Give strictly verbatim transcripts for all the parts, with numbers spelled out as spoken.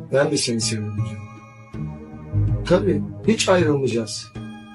Ben de seni seviyorum canım. Tabii hiç ayrılmayacağız.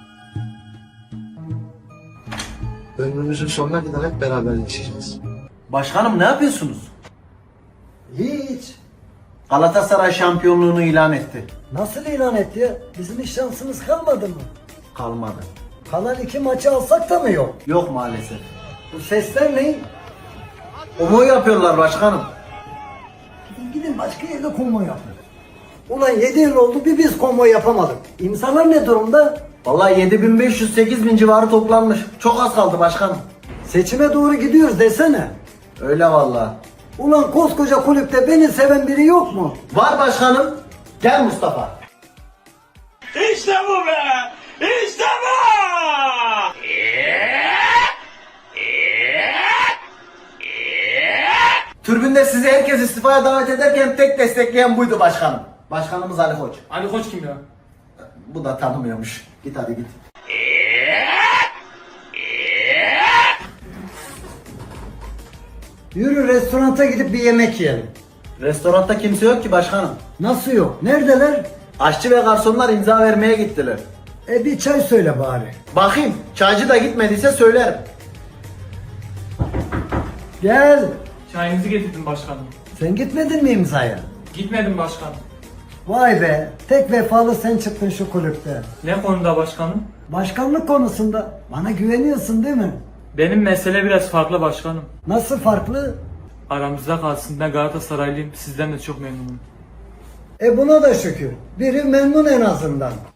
Ömrümüzün sonuna kadar hep beraber yaşayacağız. Başkanım ne yapıyorsunuz? Hiç. Galatasaray şampiyonluğunu ilan etti. Nasıl ilan etti ya? Bizim hiç şansımız kalmadı mı? Kalmadı. Kalan iki maçı alsak da mı yok? Yok maalesef. Bu sesler ne? Omo yapıyorlar başkanım. Gidin, gidin başka yerde konvoy yapın. Ulan yedi yıl oldu bir biz konvoy yapamadık. İmzalar ne durumda? Vallahi yedi bin beş yüz sekiz bin civarı toplanmış. Çok az kaldı başkanım. Seçime doğru gidiyoruz desene. Öyle vallahi. Ulan koskoca kulüpte beni seven biri yok mu? Var başkanım. Gel Mustafa. İşte bu be! İşte bu! Tribünde sizi herkes istifaya davet ederken tek destekleyen buydu başkanım. Başkanımız Ali Koç. Ali Koç kim ya? Bu da tanımıyormuş. Git hadi git. Yürü restoranta gidip bir yemek yiyelim. Restoranda kimse yok ki başkanım. Nasıl yok? Neredeler? Aşçı ve garsonlar imza vermeye gittiler. E bir çay söyle bari. Bakayım çaycı da gitmediyse söylerim. Gel. Çayınızı getirdim başkanım. Sen gitmedin mi imzaya? Gitmedim başkanım. Vay be, tek vefalı sen çıktın şu kulüpte. Ne konuda başkanım? Başkanlık konusunda bana güveniyorsun değil mi? Benim mesele biraz farklı başkanım. Nasıl farklı? Aramızda kalsın, ben Galatasaraylıyım, sizden de çok memnunum. E buna da şükür. Biri memnun en azından.